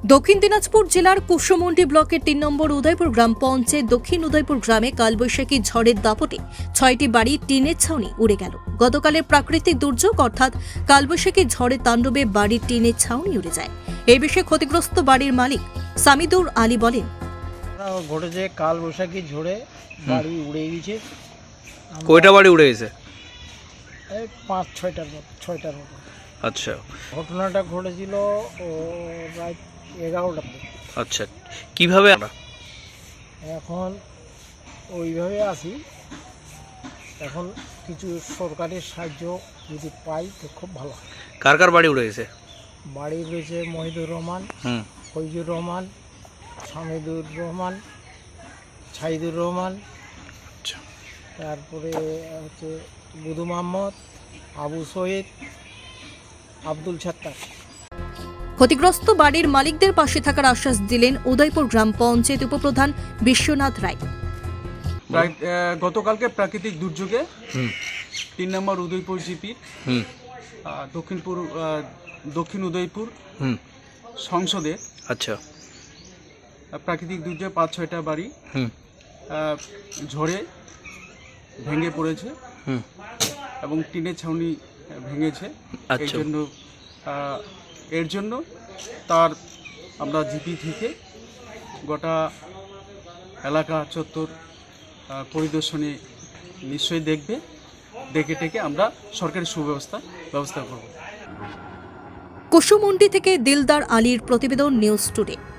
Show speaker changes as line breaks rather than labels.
দক্ষিণ দিনাজপুর জেলার কুশমন্ডি ব্লকের ৩ নম্বর উদয়পুর গ্রাম পঞ্চায়েত দক্ষিণ উদয়পুর গ্রামে কালবৈশাখী ঝড়ের দাপটে ৬টি বাড়ি টিনের ছাউনি উড়ে গেল। গতকালের প্রাকৃতিক দুর্যোগ অর্থাৎ কালবৈশাখী ঝড়ের তাণ্ডবে বাড়ির টিনের ছাউনি উড়ে যায়। এই বিষয়ে ক্ষতিগ্রস্ত বাড়ির মালিক সামিদুর আলী বলেন,
ঘটেছে কালবৈশাখী ঝড়ে বাড়ি উড়ে গেছে।
কয়টা বাড়ি উড়ে গেছে?
এই ৫-৬টার মতো।
আচ্ছা
ঘটনাটা ঘটেছিল রাত 11টার দিকে।
আচ্ছা, কিভাবে?
এখন ওইভাবে আসি, এখন কিছু সরকারি সাহায্য যদি পাই তো খুব ভালো হয়।
কার কার বাড়ি উড়ে গেছে?
বাড়ি রয়েছে মহিদুর রহমান, ফৈজুর রহমান, সামিদুর রহমান, ছাইদুর রহমান,
আচ্ছা,
তারপরে হচ্ছে বুধু মোহাম্মদ, আবু শহীদ, আব্দুল ছাত্তার।
ক্ষতিগ্রস্ত বাড়ির মালিকদের পাশে থাকার আশ্বাস দিলেন উদয়পুর গ্রাম পঞ্চায়েত উপপ্রধান বিশ্বনাথ রায়।
গতকালকে প্রাকৃতিক দুর্যোগে ৩ নম্বর উদয়পুর জিপির দক্ষিণ উদয়পুর সংসদে
আচ্ছা
প্রাকৃতিক দুর্যোগে ৫-৬টা বাড়ি ঝড়ে ভেঙে পড়েছে এবং টিনের ছাউনি ভেঙেছে।
আচ্ছা।
এর জন্য তার আমরা জিপি থেকে গোটা এলাকা চত্বর পরিদর্শনে নিশ্চয়ই দেখে টেকে আমরা সরকারি ব্যবস্থা করব।
কুশমন্ডি থেকে দিলদার আলীর প্রতিবেদন, নিউজ টুডে।